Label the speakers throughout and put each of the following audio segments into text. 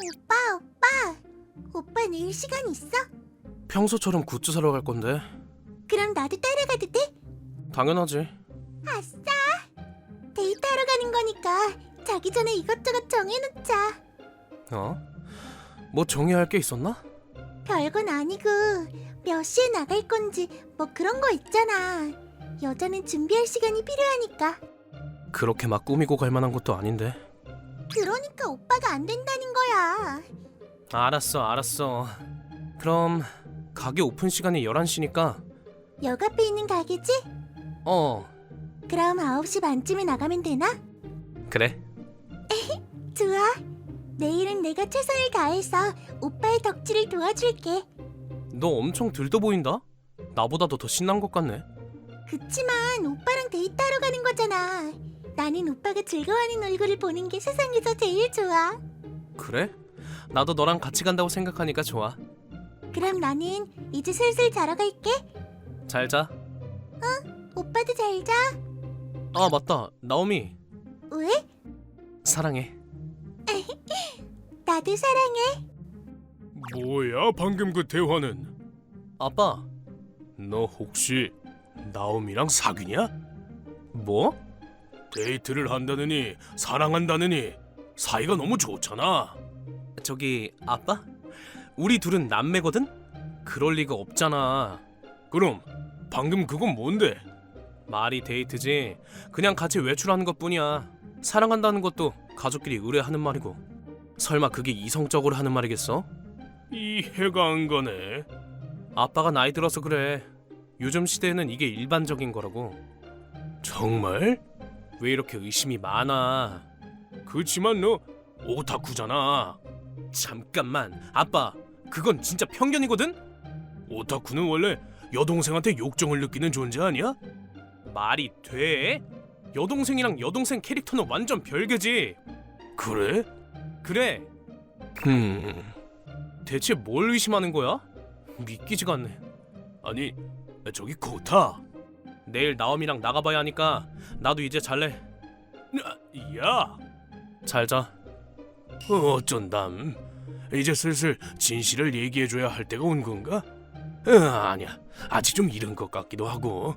Speaker 1: 오빠 내일 시간 있어?
Speaker 2: 평소처럼 굿즈 사러 갈 건데.
Speaker 1: 그럼 나도 따라가도 돼?
Speaker 2: 당연하지.
Speaker 1: 아싸! 데이트하러 가는 거니까 자기 전에 이것저것 정해놓자.
Speaker 2: 어? 뭐 정해야 할 게 있었나?
Speaker 1: 별건 아니고 몇 시에 나갈 건지 뭐 그런 거 있잖아. 여자는 준비할 시간이 필요하니까.
Speaker 2: 그렇게 막 꾸미고 갈 만한 것도 아닌데.
Speaker 1: 그러니까 오빠가 안 된다는 거야.
Speaker 2: 알았어. 그럼 가게 오픈 시간이 11시니까
Speaker 1: 역 앞에 있는 가게지? 그럼 9시 반쯤에 나가면 되나?
Speaker 2: 그래.
Speaker 1: 좋아. 내일은 내가 최선을 다해서 오빠의 덕질을 도와줄게.
Speaker 2: 너 엄청 들떠 보인다? 나보다도 더 신난 것 같네.
Speaker 1: 그치만 오빠랑 데이트하러 가는 거잖아. 나는 오빠가 즐거워하는 얼굴을 보는 게 세상에서 제일 좋아.
Speaker 2: 그래? 나도 너랑 같이 간다고 생각하니까 좋아.
Speaker 1: 그럼 나는 이제 슬슬 자러 갈게.
Speaker 2: 잘 자.
Speaker 1: 오빠도 잘 자.
Speaker 2: 아 맞다. 나오미.
Speaker 1: 왜?
Speaker 2: 사랑해.
Speaker 1: 나도 사랑해.
Speaker 3: 뭐야 방금 그 대화는?
Speaker 2: 아빠.
Speaker 3: 너 혹시 나오미랑 사귀냐?
Speaker 2: 뭐?
Speaker 3: 데이트를 한다느니 사랑한다느니 사이가 너무 좋잖아.
Speaker 2: 저기 아빠? 우리 둘은 남매거든? 그럴 리가 없잖아.
Speaker 3: 그럼 방금 그건 뭔데?
Speaker 2: 말이 데이트지. 그냥 같이 외출하는 것뿐이야. 사랑한다는 것도 가족끼리 의뢰하는 말이고. 설마 그게 이성적으로 하는 말이겠어?
Speaker 3: 이해가 안 가네.
Speaker 2: 아빠가 나이 들어서 그래. 요즘 시대에는 이게 일반적인 거라고.
Speaker 3: 정말?
Speaker 2: 왜 이렇게 의심이 많아?
Speaker 3: 그치만 너 오타쿠잖아.
Speaker 2: 잠깐만. 아빠, 그건 진짜 편견이거든?
Speaker 3: 오타쿠는 원래 여동생한테 욕정을 느끼는 존재 아니야?
Speaker 2: 말이 돼? 여동생이랑 여동생 캐릭터는 완전 별개지.
Speaker 3: 그래?
Speaker 2: 그래. 대체 뭘 의심하는 거야? 믿기지가 않네.
Speaker 3: 아니 저기 코타.
Speaker 2: 내일 나옴이랑 나가봐야 하니까 나도 이제 잘래.
Speaker 3: 야,
Speaker 2: 잘 자.
Speaker 3: 어쩐담. 이제 슬슬 진실을 얘기해줘야 할 때가 온 건가? 아니야, 아직 좀 이른 것 같기도 하고.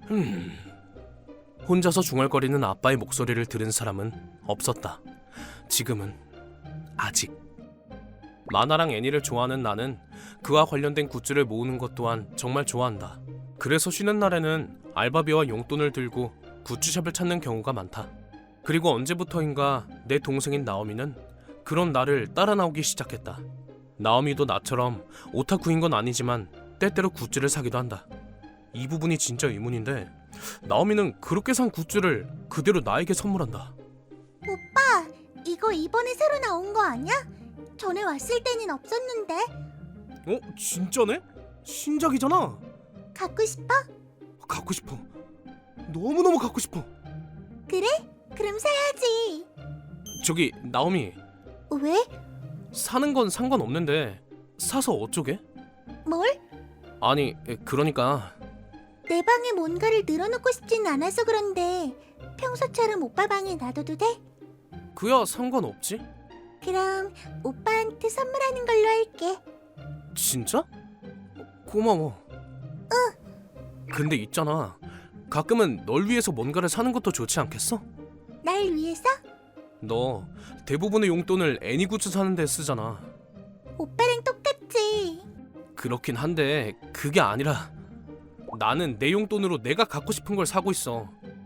Speaker 2: 혼자서 중얼거리는 아빠의 목소리를 들은 사람은 없었다. 지금은 아직. 만화랑 애니를 좋아하는 나는 그와 관련된 굿즈를 모으는 것 또한 정말 좋아한다. 그래서 쉬는 날에는 알바비와 용돈을 들고 굿즈샵을 찾는 경우가 많다. 그리고 언제부터인가 내 동생인 나오미는 그런 나를 따라 나오기 시작했다. 나오미도 나처럼 오타쿠인 건 아니지만 때때로 굿즈를 사기도 한다. 이 부분이 진짜 의문인데 나오미는 그렇게 산 굿즈를 그대로 나에게 선물한다.
Speaker 1: 오빠, 이거 이번에 새로 나온 거 아니야? 전에 왔을 때는 없었는데.
Speaker 2: 진짜네? 신작이잖아.
Speaker 1: 갖고 싶어?
Speaker 2: 갖고 싶어. 너무너무 갖고 싶어.
Speaker 1: 그래? 그럼 사야지.
Speaker 2: 저기 나오미,
Speaker 1: 왜?
Speaker 2: 사는 건 상관없는데 사서 어쩌게?
Speaker 1: 뭘?
Speaker 2: 아니 그러니까
Speaker 1: 내 방에 뭔가를 늘어놓고 싶진 않아서 그런데 평소처럼 오빠 방에 놔둬도 돼?
Speaker 2: 그야 상관없지.
Speaker 1: 그럼 오빠한테 선물하는 걸로 할게.
Speaker 2: 진짜? 고마워. 근데 있잖아, 가끔은 널 위해서 뭔가를 사는 것도 좋지 않겠어?
Speaker 1: 날 위해서?
Speaker 2: 너 대부분의 용돈을 애니 굿즈 사는 데 쓰잖아.
Speaker 1: 오빠랑 똑같지.
Speaker 2: 그렇긴 한데 그게 아니라 나는 내 용돈으로 내가 갖고 싶은 걸 사고 있어.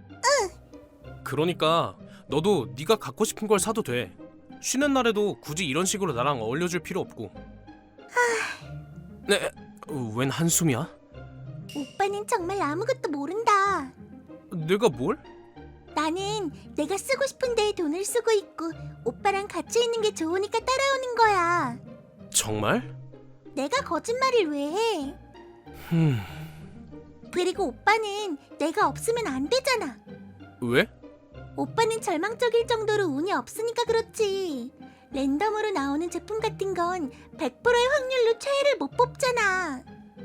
Speaker 2: 그러니까 너도 네가 갖고 싶은 걸 사도 돼. 쉬는 날에도 굳이 이런 식으로 나랑 어울려줄 필요 없고. 네, 웬 한숨이야?
Speaker 1: 오빠는 정말 아무것도 모른다.
Speaker 2: 내가 뭘?
Speaker 1: 나는 내가 쓰고 싶은 데에 돈을 쓰고 있고 오빠랑 같이 있는 게 좋으니까 따라오는 거야.
Speaker 2: 정말?
Speaker 1: 내가 거짓말을 왜 해?
Speaker 2: 흠,
Speaker 1: 그리고 오빠는 내가 없으면 안 되잖아.
Speaker 2: 왜?
Speaker 1: 오빠는 절망적일 정도로 운이 없으니까 그렇지. 랜덤으로 나오는 제품 같은 건 100%의 확률로 최애를 못 뽑잖아.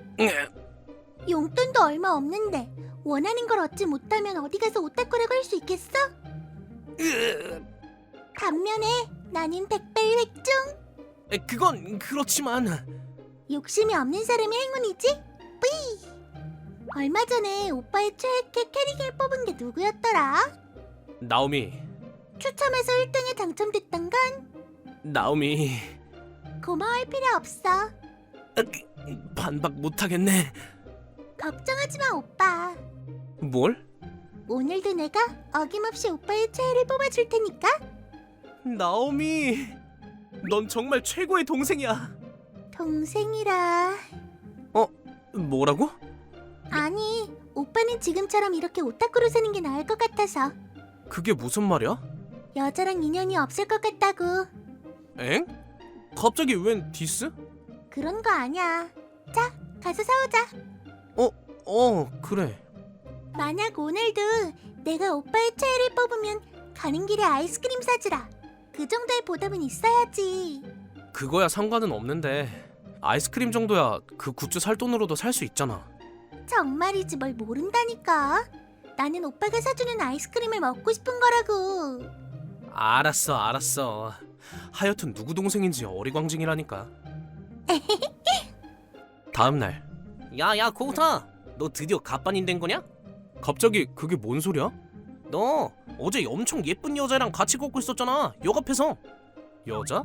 Speaker 1: 용돈도 얼마 없는데 원하는 걸 얻지 못하면 어디 가서 오타쿠라고 할 수 있겠어? 반면에 나는 백발백중.
Speaker 2: 그건 그렇지만
Speaker 1: 욕심이 없는 사람이 행운이지? 뿌이! 얼마 전에 오빠의 최애캐 캐릭을 뽑은 게 누구였더라?
Speaker 2: 나오미.
Speaker 1: 추첨해서 1등에 당첨됐던 건
Speaker 2: 나오미.
Speaker 1: 고마워할 필요 없어.
Speaker 2: 반박 못하겠네.
Speaker 1: 걱정하지 마, 오빠.
Speaker 2: 뭘?
Speaker 1: 오늘도 내가 어김없이 오빠의 최애를 뽑아줄 테니까.
Speaker 2: 나오미. 넌 정말 최고의 동생이야.
Speaker 1: 동생이라.
Speaker 2: 뭐라고?
Speaker 1: 아니, 오빠는 지금처럼 이렇게 오타쿠로 사는 게 나을 것 같아서.
Speaker 2: 그게 무슨 말이야?
Speaker 1: 여자랑 인연이 없을 것 같다고.
Speaker 2: 엥? 갑자기 웬 디스?
Speaker 1: 그런 거 아니야. 자, 가서 사오자.
Speaker 2: 그래.
Speaker 1: 만약 오늘도 내가 오빠의 최애를 뽑으면 가는 길에 아이스크림 사주라. 그 정도의 보답은 있어야지.
Speaker 2: 그거야 상관은 없는데 아이스크림 정도야 그 굿즈 살 돈으로도 살 수 있잖아.
Speaker 1: 정말이지 뭘 모른다니까. 나는 오빠가 사주는 아이스크림을 먹고 싶은 거라고.
Speaker 2: 알았어. 하여튼 누구 동생인지 어리광증이라니까. 다음 날. 야야 고우타, 너 드디어 갑반인 된 거냐? 갑자기 그게 뭔 소리야? 너 어제 엄청 예쁜 여자랑 같이 걷고 있었잖아, 역 앞에서. 여자?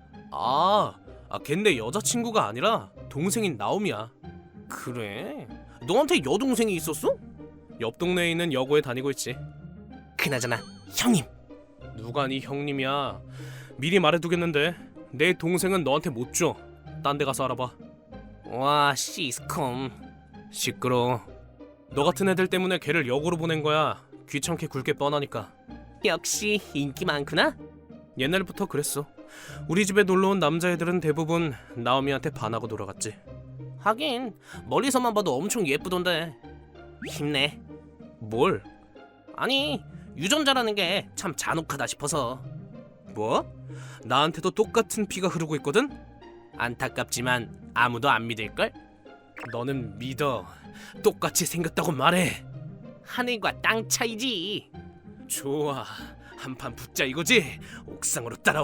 Speaker 2: 걔 내 여자친구가 아니라 동생인 나오미야. 그래? 너한테 여동생이 있었어? 옆 동네에 있는 여고에 다니고 있지. 그나저나 형님. 누가 네 형님이야. 미리 말해두겠는데 내 동생은 너한테 못 줘. 딴 데 가서 알아봐. 와 시스콤. 시끄러. 너 같은 애들 때문에 걔를 역으로 보낸 거야. 귀찮게 굴게 뻔하니까. 역시 인기 많구나. 옛날부터 그랬어. 우리 집에 놀러온 남자애들은 대부분 나오미한테 반하고 돌아갔지. 하긴 멀리서만 봐도 엄청 예쁘던데. 힘내. 뭘? 아니 유전자라는 게 참 잔혹하다 싶어서. 뭐? 나한테도 똑같은 피가 흐르고 있거든? 안타깝지만 아무도 안 믿을걸? 너는 믿어. 똑같이 생겼다고 말해. 하늘과 땅 차이지. 좋아, 한판 붙자 이거지? 옥상으로 따라와.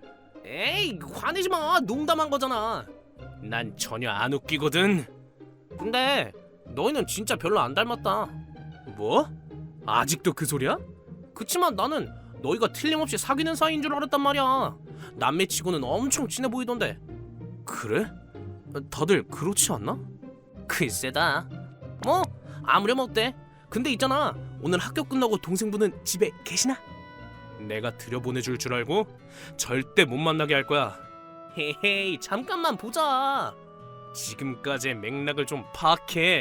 Speaker 2: 에이 화내지 마. 농담한 거잖아. 난 전혀 안 웃기거든. 근데 너희는 진짜 별로 안 닮았다. 뭐? 아직도 그 소리야? 그치만 나는 너희가 틀림없이 사귀는 사이인 줄 알았단 말이야. 남매치고는 엄청 친해 보이던데. 그래? 다들 그렇지 않나? 글쎄다. 뭐 아무렴 어때? 근데 있잖아, 오늘 학교 끝나고 동생분은 집에 계시나? 내가 들여보내줄 줄 알고? 절대 못 만나게 할 거야. 헤헤이 잠깐만 보자. 지금까지의 맥락을 좀 파악해.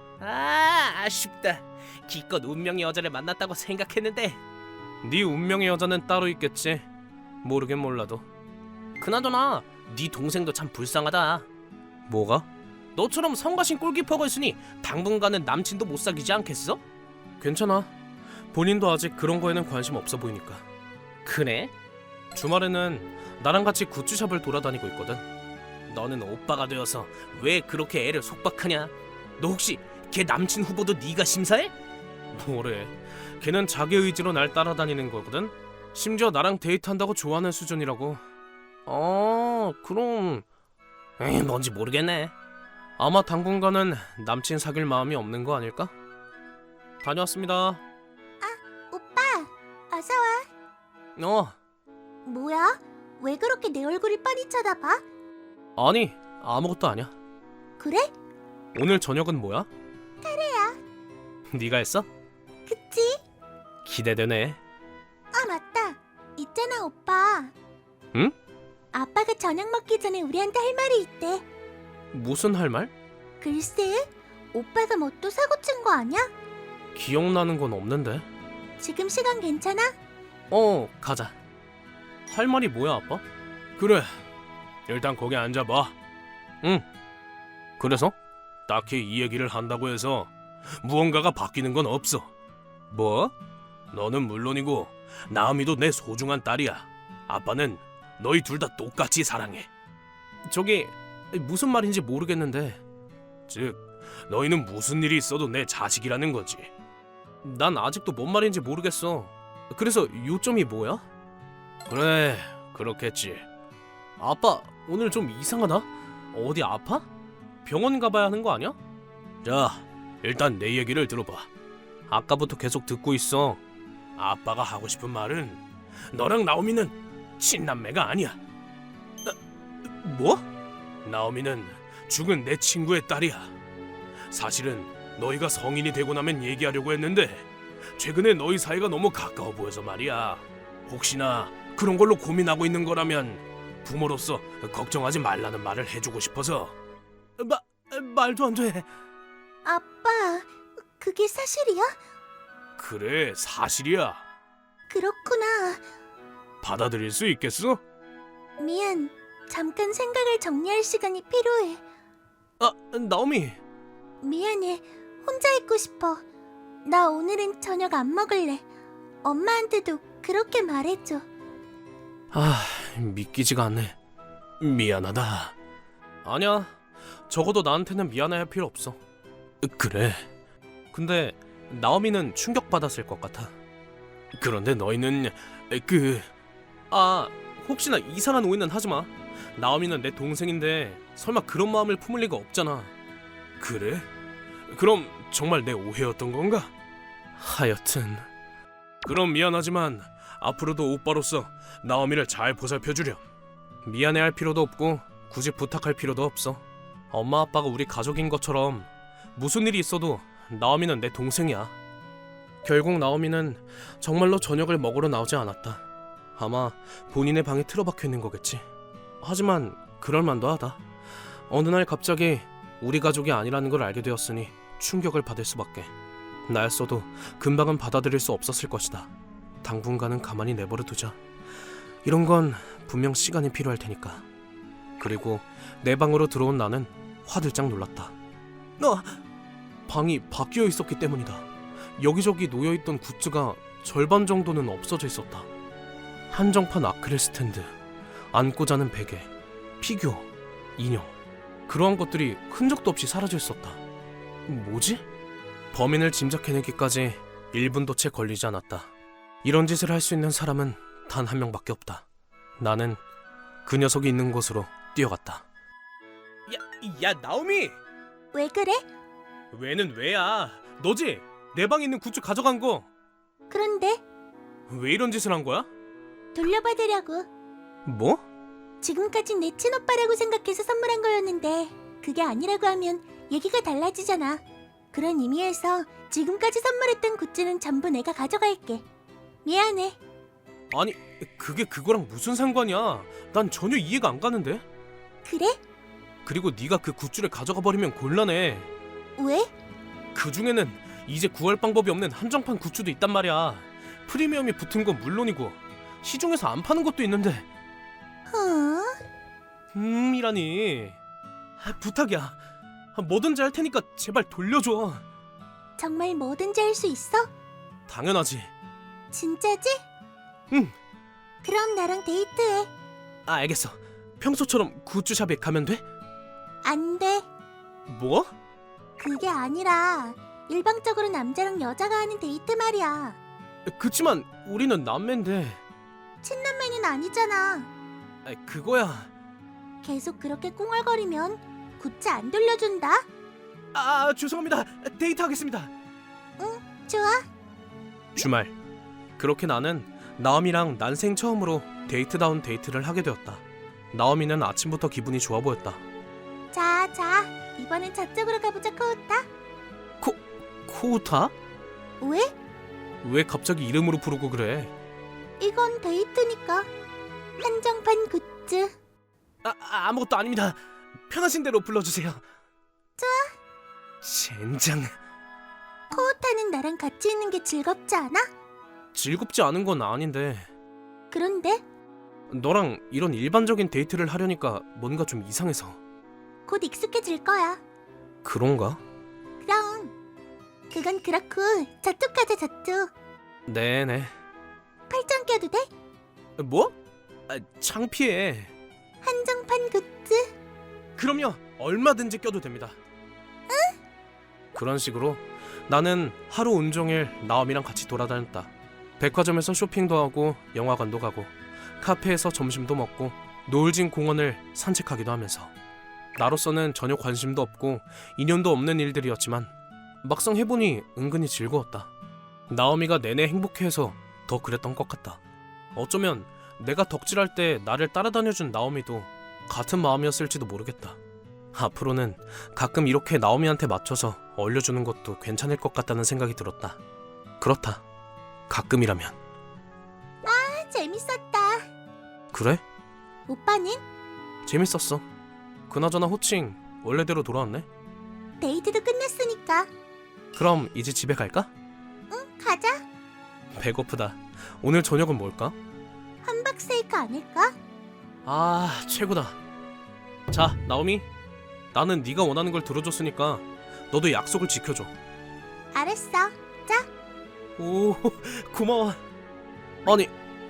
Speaker 2: 아쉽다. 기껏 운명의 여자를 만났다고 생각했는데. 네 운명의 여자는 따로 있겠지. 모르긴 몰라도. 그나저나 네 동생도 참 불쌍하다. 뭐가? 너처럼 성가신 골키퍼가 있으니 당분간은 남친도 못 사귀지 않겠어? 괜찮아. 본인도 아직 그런 거에는 관심 없어 보이니까. 그래? 주말에는 나랑 같이 굿즈샵을 돌아다니고 있거든. 너는 오빠가 되어서 왜 그렇게 애를 속박하냐? 너 혹시 걔 남친 후보도 네가 심사해? 뭐래? 걔는 자기 의지로 날 따라다니는 거거든. 심지어 나랑 데이트한다고 좋아하는 수준이라고. 그럼 뭔지 모르겠네. 아마 당분간은 남친 사귈 마음이 없는 거 아닐까? 다녀왔습니다.
Speaker 1: 오빠, 어서 와. 뭐야? 왜 그렇게 내 얼굴을 뻔히 쳐다봐?
Speaker 2: 아니 아무것도 아니야.
Speaker 1: 그래?
Speaker 2: 오늘 저녁은 뭐야? 카레야. 네가 했어?
Speaker 1: 그치?
Speaker 2: 기대되네.
Speaker 1: 맞다. 있잖아, 오빠.
Speaker 2: 응?
Speaker 1: 아빠가 저녁 먹기 전에 우리한테 할 말이 있대.
Speaker 2: 무슨 할 말?
Speaker 1: 글쎄, 오빠가 뭐 또 사고 친 거 아니야?
Speaker 2: 기억나는 건 없는데.
Speaker 1: 지금 시간 괜찮아?
Speaker 2: 가자. 할 말이 뭐야 아빠?
Speaker 3: 그래, 일단 거기 앉아봐.
Speaker 2: 응. 그래서?
Speaker 3: 딱히 이 얘기를 한다고 해서 무언가가 바뀌는 건 없어.
Speaker 2: 뭐?
Speaker 3: 너는 물론이고 나음이도 내 소중한 딸이야. 아빠는 너희 둘 다 똑같이 사랑해.
Speaker 2: 저기 무슨 말인지 모르겠는데.
Speaker 3: 즉, 너희는 무슨 일이 있어도 내 자식이라는 거지.
Speaker 2: 난 아직도 뭔 말인지 모르겠어. 그래서 요점이 뭐야?
Speaker 3: 그래, 그렇겠지.
Speaker 2: 아빠 오늘 좀 이상하다. 어디 아파? 병원 가봐야 하는 거 아니야?
Speaker 3: 자, 일단 내 얘기를 들어봐.
Speaker 2: 아까부터 계속 듣고 있어.
Speaker 3: 아빠가 하고 싶은 말은 너랑 나오미는 친남매가 아니야.
Speaker 2: 뭐?
Speaker 3: 나오미는 죽은 내 친구의 딸이야. 사실은 너희가 성인이 되고 나면 얘기하려고 했는데 최근에 너희 사이가 너무 가까워 보여서 말이야. 혹시나 그런 걸로 고민하고 있는 거라면 부모로서 걱정하지 말라는 말을 해주고 싶어서.
Speaker 2: 말도 안 돼.
Speaker 1: 아빠, 그게 사실이야?
Speaker 3: 그래, 사실이야.
Speaker 1: 그렇구나.
Speaker 3: 받아들일 수 있겠어?
Speaker 1: 미안. 잠깐 생각을 정리할 시간이 필요해.
Speaker 2: 나오미.
Speaker 1: 미안해. 혼자 있고 싶어. 나 오늘은 저녁 안 먹을래. 엄마한테도 그렇게 말해줘.
Speaker 2: 믿기지가 않네.
Speaker 3: 미안하다.
Speaker 2: 아니야. 적어도 나한테는 미안해할 필요 없어.
Speaker 3: 그래.
Speaker 2: 근데 나오미는 충격받았을 것 같아.
Speaker 3: 그런데 너희는
Speaker 2: 혹시나 이상한 오해는 하지 마. 나오미는 내 동생인데 설마 그런 마음을 품을 리가 없잖아.
Speaker 3: 그래? 그럼 정말 내 오해였던 건가?
Speaker 2: 하여튼
Speaker 3: 그럼 미안하지만 앞으로도 오빠로서 나오미를 잘 보살펴주렴.
Speaker 2: 미안해할 필요도 없고 굳이 부탁할 필요도 없어. 엄마 아빠가 우리 가족인 것처럼 무슨 일이 있어도 나오미는 내 동생이야. 결국 나오미는 정말로 저녁을 먹으러 나오지 않았다. 아마 본인의 방에 틀어박혀 있는 거겠지. 하지만 그럴만도 하다. 어느 날 갑자기 우리 가족이 아니라는 걸 알게 되었으니 충격을 받을 수밖에. 나였어도 금방은 받아들일 수 없었을 것이다. 당분간은 가만히 내버려 두자. 이런 건 분명 시간이 필요할 테니까. 그리고 내 방으로 들어온 나는 화들짝 놀랐다. 방이 바뀌어 있었기 때문이다. 여기저기 놓여있던 굿즈가 절반 정도는 없어져 있었다. 한정판 아크릴 스탠드, 안고 자는 베개, 피규어, 인형, 그러한 것들이 흔적도 없이 사라져 있었다. 뭐지? 범인을 짐작해내기까지 1분도 채 걸리지 않았다. 이런 짓을 할 수 있는 사람은 단 한 명밖에 없다. 나는 그 녀석이 있는 곳으로 뛰어갔다. 야 나오미!
Speaker 1: 왜 그래?
Speaker 2: 왜는 왜야? 너지? 내 방에 있는 굿즈 가져간 거.
Speaker 1: 그런데
Speaker 2: 왜 이런 짓을 한 거야?
Speaker 1: 돌려받으려고.
Speaker 2: 뭐?
Speaker 1: 지금까진 내 친오빠라고 생각해서 선물한 거였는데 그게 아니라고 하면 얘기가 달라지잖아. 그런 의미에서 지금까지 선물했던 굿즈는 전부 내가 가져갈게. 미안해.
Speaker 2: 아니 그게 그거랑 무슨 상관이야? 난 전혀 이해가 안 가는데.
Speaker 1: 그래?
Speaker 2: 그리고 네가 그 굿즈를 가져가 버리면 곤란해.
Speaker 1: 왜?
Speaker 2: 그 중에는 이제 구할 방법이 없는 한정판 굿즈도 있단 말이야. 프리미엄이 붙은 건 물론이고 시중에서 안 파는 것도 있는데. 이라니. 부탁이야. 뭐든지 할 테니까 제발 돌려줘.
Speaker 1: 정말 뭐든지 할 수 있어?
Speaker 2: 당연하지.
Speaker 1: 진짜지?
Speaker 2: 응.
Speaker 1: 그럼 나랑 데이트해.
Speaker 2: 알겠어. 평소처럼 굿즈샵에 가면 돼?
Speaker 1: 안 돼.
Speaker 2: 뭐?
Speaker 1: 그게 아니라 일방적으로 남자랑 여자가 하는 데이트 말이야.
Speaker 2: 그치만 우리는 남매인데.
Speaker 1: 친남매는 아니잖아.
Speaker 2: 그거야.
Speaker 1: 계속 그렇게 꿍얼거리면 굿즈 안 돌려준다.
Speaker 2: 죄송합니다. 데이트하겠습니다.
Speaker 1: 좋아.
Speaker 2: 주말. 그렇게 나는 나오미랑 난생 처음으로 데이트다운 데이트를 하게 되었다. 나오미는 아침부터 기분이 좋아 보였다.
Speaker 1: 자, 이번엔 저쪽으로 가보자, 코우타.
Speaker 2: 코우타?
Speaker 1: 왜?
Speaker 2: 왜 갑자기 이름으로 부르고 그래?
Speaker 1: 이건 데이트니까. 한정판 굿즈.
Speaker 2: 아무것도 아닙니다. 편하신 대로 불러주세요.
Speaker 1: 좋아.
Speaker 2: 젠장.
Speaker 1: 코우타는 나랑 같이 있는 게 즐겁지 않아?
Speaker 2: 즐겁지 않은 건 아닌데
Speaker 1: 그런데
Speaker 2: 너랑 이런 일반적인 데이트를 하려니까 뭔가 좀 이상해서.
Speaker 1: 곧 익숙해질 거야.
Speaker 2: 그런가?
Speaker 1: 그럼. 그건 그렇고 저쪽 가자, 저쪽.
Speaker 2: 네네.
Speaker 1: 팔짱 껴도 돼?
Speaker 2: 뭐? 창피해.
Speaker 1: 한정판 굿즈.
Speaker 2: 그럼요. 얼마든지 껴도 됩니다. 응? 그런 식으로 나는 하루 온종일 나오미랑 같이 돌아다녔다. 백화점에서 쇼핑도 하고 영화관도 가고 카페에서 점심도 먹고 노을진 공원을 산책하기도 하면서. 나로서는 전혀 관심도 없고 인연도 없는 일들이었지만 막상 해보니 은근히 즐거웠다. 나오미가 내내 행복해해서 더 그랬던 것 같다. 어쩌면 내가 덕질할 때 나를 따라다녀준 나오미도 같은 마음이었을지도 모르겠다. 앞으로는 가끔 이렇게 나오미한테 맞춰서 얼려주는 것도 괜찮을 것 같다는 생각이 들었다. 그렇다. 가끔이라면.
Speaker 1: 재밌었다.
Speaker 2: 그래?
Speaker 1: 오빠는?
Speaker 2: 재밌었어. 그나저나 호칭 원래대로 돌아왔네.
Speaker 1: 데이트도 끝났으니까.
Speaker 2: 그럼 이제 집에 갈까?
Speaker 1: 가자.
Speaker 2: 배고프다. 오늘 저녁은 뭘까?
Speaker 1: 함박스테이크 아닐까?
Speaker 2: 아, 최고다. 자, 나오미. 나는 네가 원하는 걸 들어줬으니까 너도 약속을 지켜줘.
Speaker 1: 알았어. 자,
Speaker 2: 오, 고마워. 아니,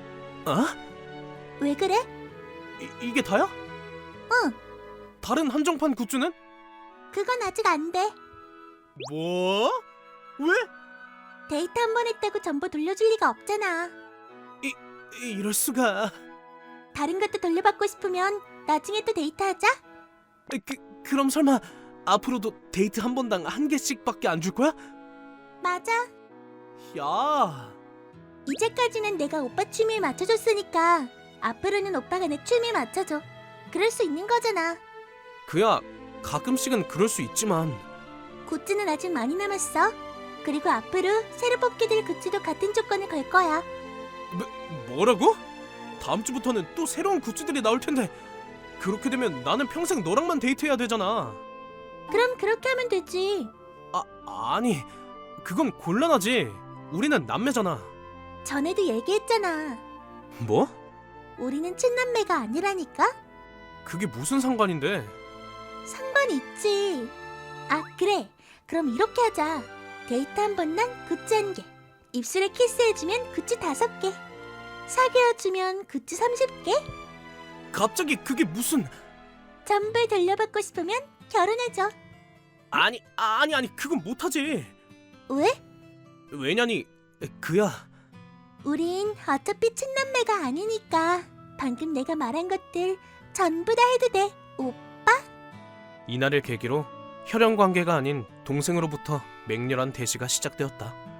Speaker 1: 왜 그래?
Speaker 2: 이게 다야?
Speaker 1: 응.
Speaker 2: 다른 한정판 굿즈는?
Speaker 1: 그건 아직 안 돼.
Speaker 2: 뭐? 왜?
Speaker 1: 데이트 한 번 했다고 전부 돌려줄 리가 없잖아.
Speaker 2: 이럴 수가.
Speaker 1: 다른 것도 돌려받고 싶으면 나중에 또 데이트하자.
Speaker 2: 그럼 설마 앞으로도 데이트 한 번당 한 개씩밖에 안 줄 거야?
Speaker 1: 맞아.
Speaker 2: 야,
Speaker 1: 이제까지는 내가 오빠 취미에 맞춰줬으니까 앞으로는 오빠가 내 취미에 맞춰줘. 그럴 수 있는 거잖아.
Speaker 2: 그야 가끔씩은 그럴 수 있지만.
Speaker 1: 굿즈는 아직 많이 남았어. 그리고 앞으로 새로 뽑게 될 굿즈도 같은 조건을 걸 거야.
Speaker 2: 뭐라고? 다음 주부터는 또 새로운 굿즈들이 나올 텐데 그렇게 되면 나는 평생 너랑만 데이트해야 되잖아.
Speaker 1: 그럼 그렇게 하면 되지.
Speaker 2: 아니, 그건 곤란하지. 우리는 남매잖아.
Speaker 1: 전에도 얘기했잖아.
Speaker 2: 뭐?
Speaker 1: 우리는 친남매가 아니라니까?
Speaker 2: 그게 무슨 상관인데?
Speaker 1: 상관이 있지. 아, 그래. 그럼 이렇게 하자. 데이트 한 번당 굿즈 1개. 입술에 키스해주면 굿즈 5개. 사귀어주면 굿즈 30개.
Speaker 2: 갑자기 그게 무슨...
Speaker 1: 전부 돌려받고 싶으면 결혼해줘.
Speaker 2: 아니 그건 못하지.
Speaker 1: 왜?
Speaker 2: 왜냐니 그야.
Speaker 1: 우린 어차피 친남매가 아니니까 방금 내가 말한 것들 전부 다 해도 돼.
Speaker 2: 이날을 계기로 혈연 관계가 아닌 동생으로부터 맹렬한 대시가 시작되었다.